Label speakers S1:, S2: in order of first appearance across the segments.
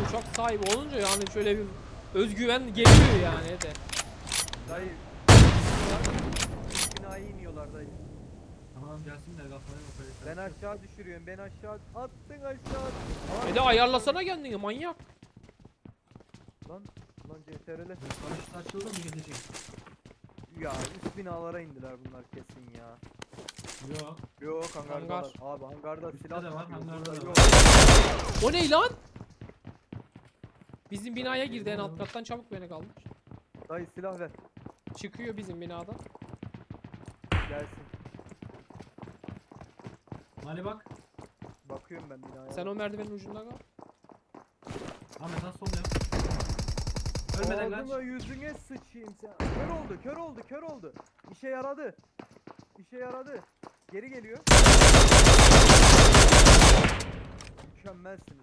S1: uçak sahibi olunca yani şöyle bir özgüven geliyor yani de.
S2: Dayı. Binaya iniyorlar dayı.
S3: Tamam gelsinler kafaya kafaya.
S2: Ben aşağı düşürüyorum. Ben aşağı attın aşağı.
S1: De ayarlasana kendini manyak.
S2: Lan CTRL.
S3: Paraşüt açıldı mı gidecek?
S2: Ya üst binalara indiler bunlar kesin ya.
S3: Yok.
S2: Yok hangarda
S1: Hangar.
S2: var. Abi hangarda
S3: Üstte
S2: silah
S3: de var,
S2: tutuyor,
S3: hangarda
S2: burada
S3: da
S2: yok.
S1: O ne lan? Bizim binaya girdi en alt kattan, çabuk beni kaldır.
S2: Dayı silah ver.
S1: Çıkıyor bizim binada.
S2: Gelsin.
S3: Mali bak.
S2: Bakıyorum ben binaya.
S1: Sen o merdivenin ucunda kal.
S3: Ahmet az sol yap. Ölmeden kaç.
S2: Ağzına yüzüne sıçayım sen. Kör oldu. İşe yaradı. Geri geliyor. Mükemmelsiniz.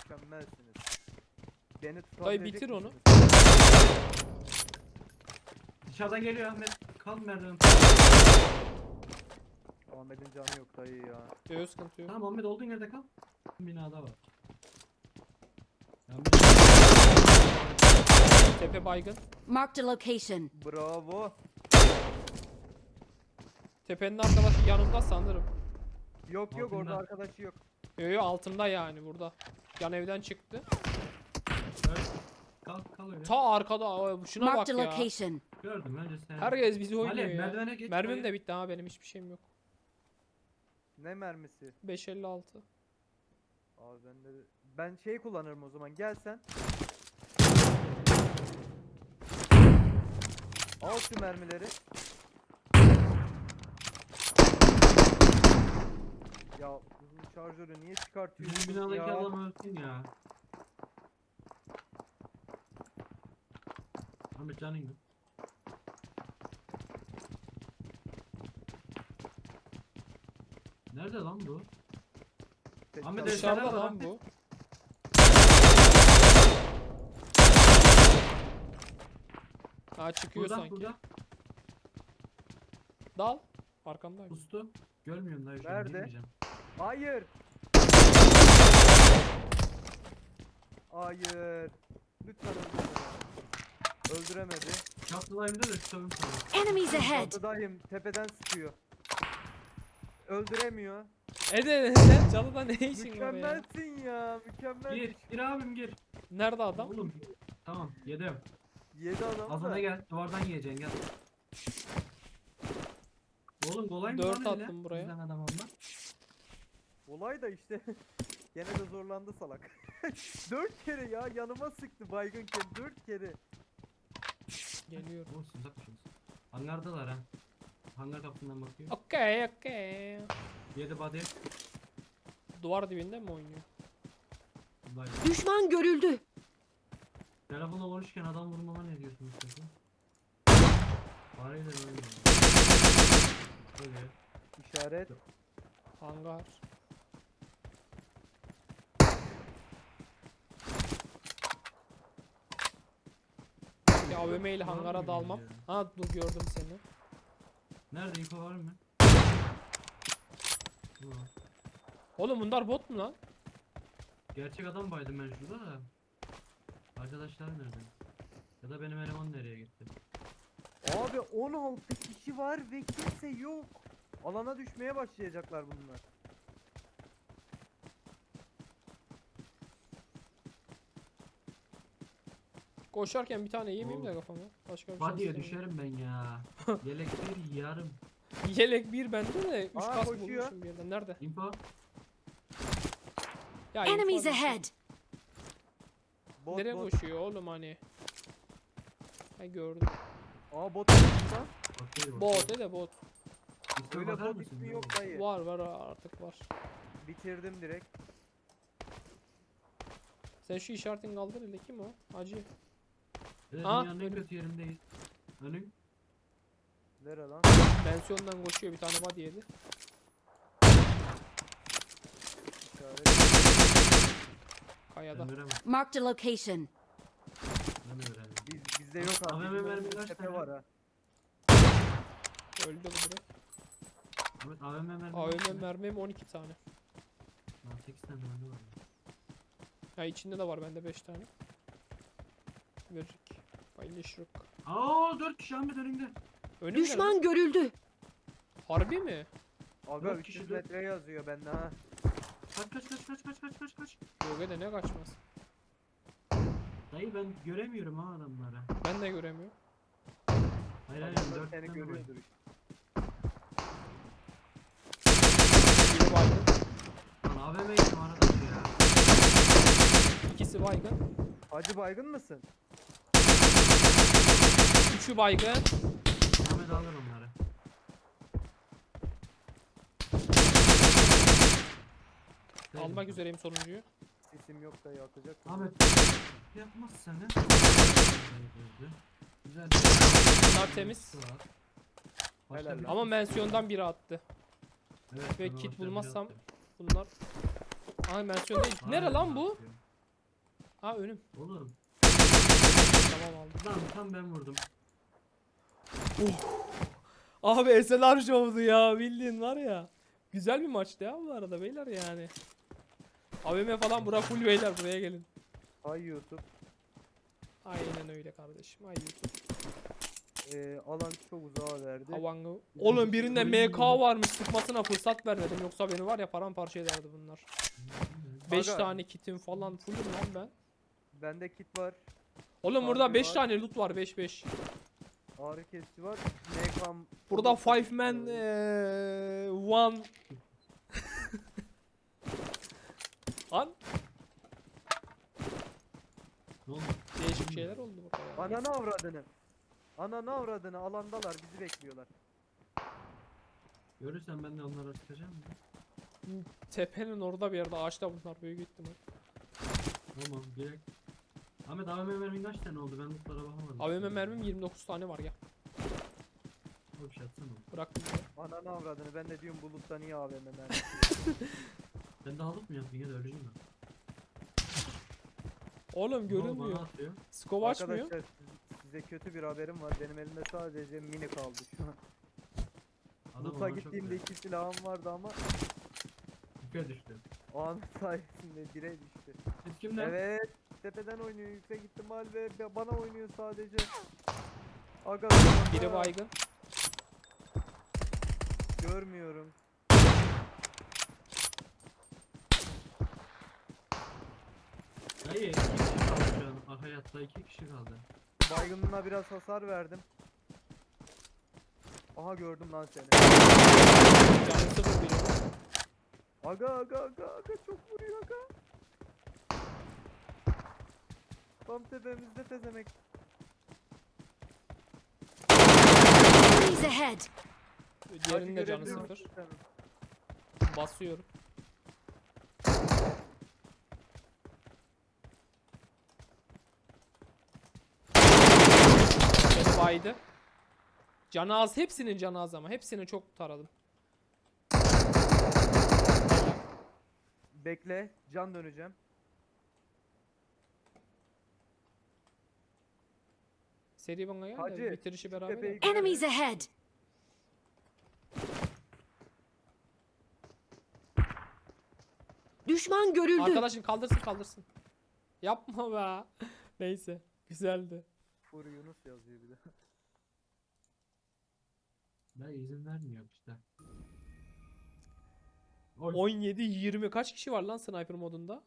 S2: Beni tutabilecek
S1: Dayı bitir onu.
S2: misiniz?
S3: Dışarıdan geliyor Ahmet. Kal merdiven.
S2: Ahmet'in canı yok dayı ya.
S1: Yok sıkıntı yok.
S3: Tamam Ahmet olduğun yerde kal. Binada var. Ya
S1: Tepe baygın.
S4: Marked a location.
S2: Bravo.
S1: Tepenin arkadaşı yanımda sanırım.
S2: Yok
S3: Altında.
S2: orada arkadaşı yok.
S1: Yo altımda yani burada. Yan evden çıktı.
S3: öl. Kal öyle.
S1: Ta arkada. Şuna bak
S4: Marked a
S1: ya.
S4: location.
S3: Gördüm önce sen.
S1: Herkes bizi oynuyor
S3: Mali
S1: ya.
S3: merdivene geç.
S1: Mermim de bitti ha, benim hiçbir şeyim yok.
S2: Ne mermisi?
S1: 5.56.
S2: Abi ben şey kullanırım o zaman. Gel sen. Al şu mermileri. Ya bu şarjörü niye çıkartıyorsun
S3: Bizim binadaki
S2: ya?
S3: adam ölsün ya. Ahmet canın yok. Nerede lan bu? Ahmet
S2: Çalış-
S3: Eşyalar
S1: Dışarıda
S3: var
S1: lan
S3: lan.
S1: bu. Ha çıkıyor
S3: Burada
S1: sanki.
S3: burada.
S1: Dal. Arkamdayım.
S3: Ustu. Görmüyorum daha şu an.
S2: Nerede?
S3: Girmeyeceğim.
S2: Hayır. Hayır. Lütfen öldürme. Öldüremedi.
S3: Çatıdayım da tutarım sana.
S4: Enemies ahead.
S2: Çatıdayım. Tepeden sıkıyor. Öldüremiyor.
S1: Sen çalıda ne işin var ya?
S2: Mükemmelsin ya. Mükemmel.
S3: Gir abim gir.
S1: Nerede adam?
S3: Oğlum. Tamam yedim.
S2: 7 adam
S3: Az
S2: da.
S3: öne gel. Duvardan yiyeceksin gel. Oğlum kolay mı
S1: Dört
S3: lan öyle?
S1: attım buraya.
S3: Bizden adam olma.
S2: Olay da işte. Gene de zorlandı salak. 4 kere ya yanıma sıktı baygınken 4 kere.
S1: Geliyorum.
S3: Olsun uzakmışız. Hangardalar ha. Hangar kapısından bakıyor.
S1: Okey.
S3: Yedi body.
S1: Duvar dibinde mi oynuyor?
S3: Vay.
S4: Düşman görüldü.
S3: Telefonla konuşurken adam vurmama ne diyorsunuz peki? Fareyle oynuyor. Böyle.
S2: İşaret.
S1: Hangar. Ya AVM ile hangara dalmam. Ha dur gördüm seni.
S3: Nerede info var mı? Ulan.
S1: Oğlum bunlar bot mu lan?
S3: Gerçek adam baydım ben şurada da. Arkadaşlar nerede? Ya da benim eleman nereye gitti?
S2: Abi 16 kişi var ve kimse yok. Alana düşmeye başlayacaklar bunlar.
S1: Koşarken bir tane yemeyeyim de
S3: Oğlum.
S1: kafama. Başka bir şey
S3: Body'ye
S1: istemiyorum.
S3: düşerim ben ya. Yelek bir yarım.
S1: Yelek bir bende de 3
S2: Aa,
S1: kask
S2: koşuyor.
S1: bulmuşum bir yerden. Nerede?
S3: Info.
S1: Ya
S4: Enemies
S1: info
S4: ahead.
S2: Bot
S1: nereye
S2: bot.
S1: koşuyor oğlum hani? Ha gördüm.
S2: Aa bot burada.
S3: Bakıyor,
S1: Bot de bot.
S3: İsme
S2: Öyle
S3: bakar
S2: bot
S3: mısın?
S2: ismi
S3: Ne
S2: yok
S3: bu?
S2: dayı.
S1: Var artık var.
S2: Bitirdim direkt.
S1: Sen şu işaretini kaldır hele, kim o? Hacı.
S3: Evet,
S1: Aa,
S3: dünyanın en
S1: önüm.
S3: kötü yerindeyiz. Önüm.
S2: Nere lan?
S1: Pensiyondan koşuyor, bir tane body yedi.
S2: İşaret.
S1: Kayada.
S3: Ben veremem.
S4: Marked a location.
S3: Ben de veremem.
S2: Bizde yok abi.
S3: AVM
S2: bizim
S3: mermi
S2: önümüzde
S3: kaç
S2: tepe
S3: tane?
S2: var ha.
S1: Öldü bu direkt.
S3: Evet AVM mermi.
S1: AVM mermim 12 tane.
S3: Lan 8 tane mermi var.
S1: Ha içinde de var bende 5 tane. Verecek. Paylaşırık.
S3: Aa 4 kişi Ahmet önünde.
S1: Önümde mi?
S4: Düşman görüldü.
S1: Harbi mi?
S2: Aga
S3: Dört
S2: 300
S3: kişi, dört.
S2: metre yazıyor bende ha.
S3: Kaç.
S1: Gölge ne kaçmaz.
S3: Dayı ben göremiyorum ha adamları.
S1: Ben de göremiyorum.
S3: Hayır
S2: Adamlar
S3: 4
S2: seni
S3: tane var.
S2: görüyordur işte.
S1: Biri baygın.
S3: Lan AVM yedim arkadaş ya.
S1: İkisi baygın.
S2: Hacı baygın mısın?
S1: Üçü baygın.
S3: Ahmet alır onları.
S1: Almak üzereyim sonuncuyu.
S2: Sesim yok da yakacak.
S3: Ahmet yapmazsan ne? Güzel.
S1: Bunlar temiz.
S2: Helal lan.
S1: Ama mensiyondan biri attı.
S3: Evet,
S1: Ve
S3: bana
S1: kit
S3: başka bir
S1: bulmazsam-
S3: şey
S1: Bunlar. Ay mensiyon değil.
S3: yaptı.
S1: Nere
S3: Hayır,
S1: lan bu?
S3: yapıyor.
S1: Ha önüm.
S3: Oğlum
S1: Tamam aldım.
S3: lan tam ben vurdum.
S1: Abi SLR Show'du ya bildiğin var ya. Güzel bir maçtı ya bu arada beyler yani. AVM falan bura full beyler buraya gelin.
S2: Hay YouTube.
S1: Aynen öyle kardeşim. Ay YouTube.
S2: Alan çok uzağa verdi.
S1: Havangı. Oğlum birinde MK varmış sıkmasına fırsat vermedim yoksa beni var ya paramparça ederdi bunlar. 5
S2: Aga.
S1: tane kitim falan fullüm lan ben.
S2: Bende kit var.
S1: Oğlum burada
S2: Harbi
S1: 5
S2: var.
S1: tane loot var 5.
S2: Ağrı kesici var. MK'm.
S1: Burada 5 man one. Lan
S3: Ne oldu?
S1: değişik şeyler oldu burada ya.
S2: Ananı avradını. Ananı avradını alandalar bizi bekliyorlar.
S3: Görürsen ben de onlara sıkacağım mı?
S1: Tepenin orada bir yerde ağaçta bunlar büyük ihtimal.
S3: Tamam direkt. Ahmet AVM mermin kaç tane oldu? Ben lootlara bakamadım.
S1: AVM mermim 29 tane var ya.
S3: O bir şey atsana.
S1: Bıraktım.
S2: Ananı avradını ben de diyorum buluttan iyi AVM mermi.
S3: Sen de alıp mı yaptın ya da öleceğim ben.
S1: Oğlum
S3: Ne oldu,
S1: görünmüyor.
S3: bana atıyor.
S1: Scope açmıyor.
S2: Arkadaşlar size kötü bir haberim var. Benim elimde sadece mini kaldı şu an.
S3: Adam
S2: Loot'a
S3: ona çok
S2: gittiğimde
S3: değer.
S2: 2 silahım vardı ama
S3: Yukarı düştü.
S2: anın sayesinde 1'e düştü.
S3: Siz kimden?
S2: Evet. Tepeden oynuyor yüksek ihtimal ve bana oynuyor sadece. Aga
S1: Biri baygın.
S2: görmüyorum.
S3: Dayı 2 kişi kaldı şu an. Ah, hayatta 2 kişi kaldı.
S2: Baygınlığına biraz hasar verdim. Aha gördüm lan seni.
S1: Canı sıfır biri.
S2: Aga çok vuruyor aga. Tam tepemizde tezemek.
S4: Enemies ahead.
S1: Diğerinin de canı
S2: görebiliyor
S1: sıfır.
S2: musun sen?
S1: Basıyorum. Beni baydı. Canı az. Hepsinin canı az ama. Hepsini çok taradım.
S2: Bekle can döneceğim.
S1: Seri bana gel de
S2: Hacı,
S1: bitirişi
S2: şu
S1: beraber
S2: tepeyi
S1: yap.
S2: görelim.
S4: Enemies ahead. Düşman görüldü.
S1: Arkadaşın kaldırsın. Yapma be. Neyse. Güzeldi.
S2: Fur Yunus yazıyor bir de.
S3: Dayı izin vermiyor işte. Oy.
S1: 17-20 kaç kişi var lan sniper modunda?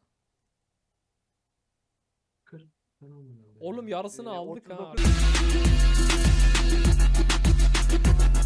S3: 40 falan olmadı.
S1: Oğlum yarısını aldık ha.
S2: 39